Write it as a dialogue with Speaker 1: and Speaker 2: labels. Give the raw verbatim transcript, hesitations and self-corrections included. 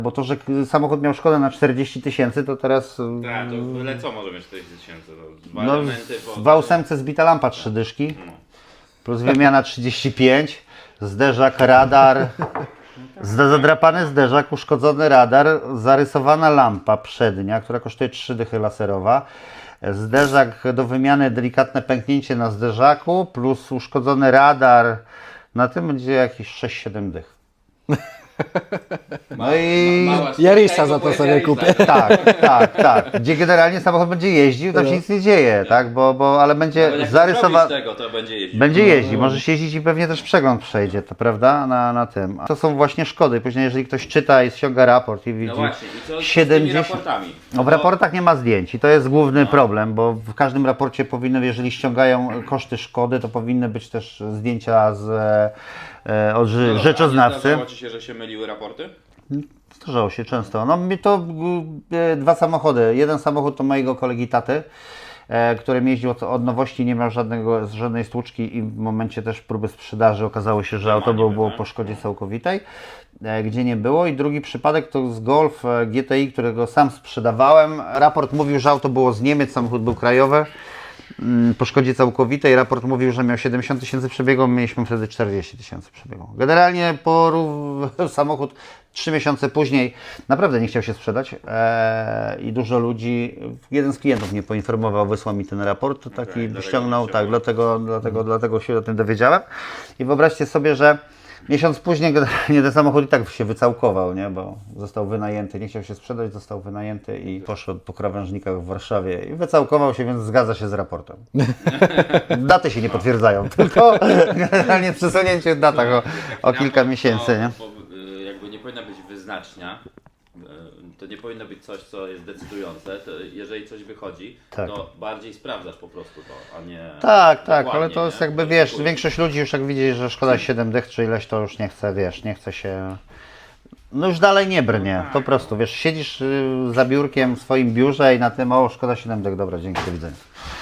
Speaker 1: Bo to, że samochód miał szkodę na czterdzieści tysięcy, to teraz...
Speaker 2: Tak, to byle co może mieć czterdzieści tysięcy. Dwa
Speaker 1: No,
Speaker 2: elementy, bo...
Speaker 1: w ósemce zbita lampa trzy dyszki,
Speaker 2: No.
Speaker 1: plus wymiana trzydzieści pięć, zderzak, radar, zda- zadrapany zderzak, uszkodzony radar, zarysowana lampa przednia, która kosztuje trzy dychy laserowa, zderzak do wymiany, delikatne pęknięcie na zderzaku, plus uszkodzony radar, na tym będzie jakieś sześć siedem dych. No i...
Speaker 3: Jarisa za to sobie kupię.
Speaker 1: Tak, tak, tak. Gdzie generalnie samochód będzie jeździł, tam się nic nie dzieje, tak? Bo, bo, ale będzie zarysowany.
Speaker 2: tego, to będzie jeździł.
Speaker 1: Będzie jeździć, możesz jeździć i pewnie też przegląd przejdzie, to prawda? Na, na tym. To są właśnie szkody. Później jeżeli ktoś czyta i ściąga raport i widzi
Speaker 2: No właśnie, i co z
Speaker 1: siedemdziesiąt...
Speaker 2: tymi raportami?
Speaker 1: No w raportach nie ma zdjęć i to jest główny problem, bo w każdym raporcie powinny, jeżeli ściągają koszty szkody, to powinny być też zdjęcia z, e, od ży-
Speaker 2: No,
Speaker 1: rzeczoznawcy.
Speaker 2: Zdarzało Ci się, że się myliły raporty?
Speaker 1: Zdarzało się często. No mi to e, dwa samochody. Jeden samochód to mojego kolegi taty, e, który jeździł od, od nowości, nie miał żadnego, żadnej stłuczki i w momencie też próby sprzedaży okazało się, że auto było, było po szkodzie całkowitej, e, gdzie nie było. I drugi przypadek to z Golf e, G T I, którego sam sprzedawałem. Raport mówił, że auto było z Niemiec, samochód był krajowy. Po szkodzie całkowitej raport mówił, że miał siedemdziesiąt tysięcy przebiegu, mieliśmy wtedy czterdzieści tysięcy przebiegu. Generalnie porów, samochód trzy miesiące później naprawdę nie chciał się sprzedać eee, i dużo ludzi, jeden z klientów mnie poinformował, wysłał mi ten raport, taki
Speaker 2: Okay,
Speaker 1: ściągnął, tak, dlatego, dlatego, dlatego się o tym dowiedziałem. I wyobraźcie sobie, że miesiąc później generalnie ten samochód i tak się wycałkował, nie? Bo został wynajęty, nie chciał się sprzedać, został wynajęty i poszedł po krawężnikach w Warszawie i wycałkował się, więc zgadza się z raportem. Daty się nie potwierdzają, tylko generalnie przesunięcie w datach o, o kilka miesięcy, nie?
Speaker 2: To, jakby nie powinna być wyznacznia, to nie powinno być coś, co jest decydujące. To jeżeli coś wychodzi,
Speaker 1: Tak.
Speaker 2: to bardziej sprawdzasz po prostu to, a nie...
Speaker 1: Tak, tak, ale
Speaker 2: dokładnie,
Speaker 1: to jest
Speaker 2: nie?
Speaker 1: jakby, wiesz, większość ludzi już jak widzi, że szkoda siedem dych czy ileś, to już nie chce, wiesz, nie chce się... No już dalej nie brnie, po prostu, wiesz, siedzisz y, za biurkiem w swoim biurze i na tym, o, szkoda siedem dych, dobra, dzięki, do widzenia.